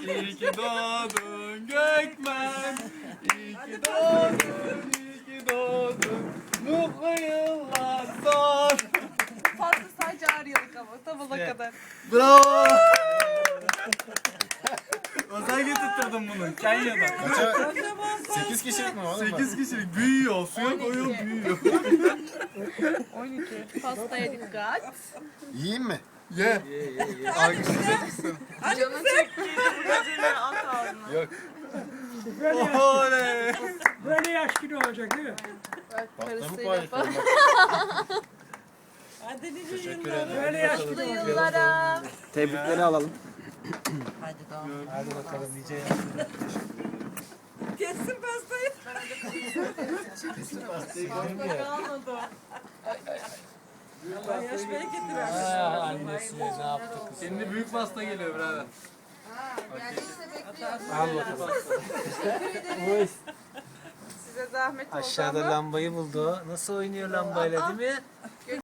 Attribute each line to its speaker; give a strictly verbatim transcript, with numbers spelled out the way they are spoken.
Speaker 1: İyi ki doğdun Gökmen. İyi ki doğdun, iyi ki doğdun. Mutlu yıllar son.
Speaker 2: Fazla sadece ağır yıllık ama tabula
Speaker 1: Evet.
Speaker 2: kadar.
Speaker 1: Bravo. Özel getirttirdim bunu Kenya'dan.
Speaker 3: Kaça? sekiz kişilik mi oğlum?
Speaker 1: sekiz kişilik büyüyor, suya koyuyor büyüyor.
Speaker 2: on iki. Pastaya dikkat.
Speaker 3: Yiyeyim mi?
Speaker 1: Ye. Alkışlayacak mısın?
Speaker 2: Canın çok
Speaker 1: Yok. Oley.
Speaker 4: Böyle yaş gibi olacak değil mi?
Speaker 2: karısıyla falan.
Speaker 3: Teşekkür ederim.
Speaker 4: Böyle yaş gibi
Speaker 2: Mutlu
Speaker 4: olacak.
Speaker 2: yıllara.
Speaker 5: Tebrikleri alalım.
Speaker 4: Hadi bakalım nice
Speaker 2: Kessin pastayı. Pasta kalmadı. Yaş bereketi versin.
Speaker 4: annesi ne yaptı kız?
Speaker 1: Şimdi büyük pasta geliyor birader.
Speaker 4: Al bakalım.
Speaker 2: Size zahmet oldu
Speaker 5: Aşağıda
Speaker 2: ama.
Speaker 5: lambayı buldu. Nasıl oynuyor lambayla değil mi?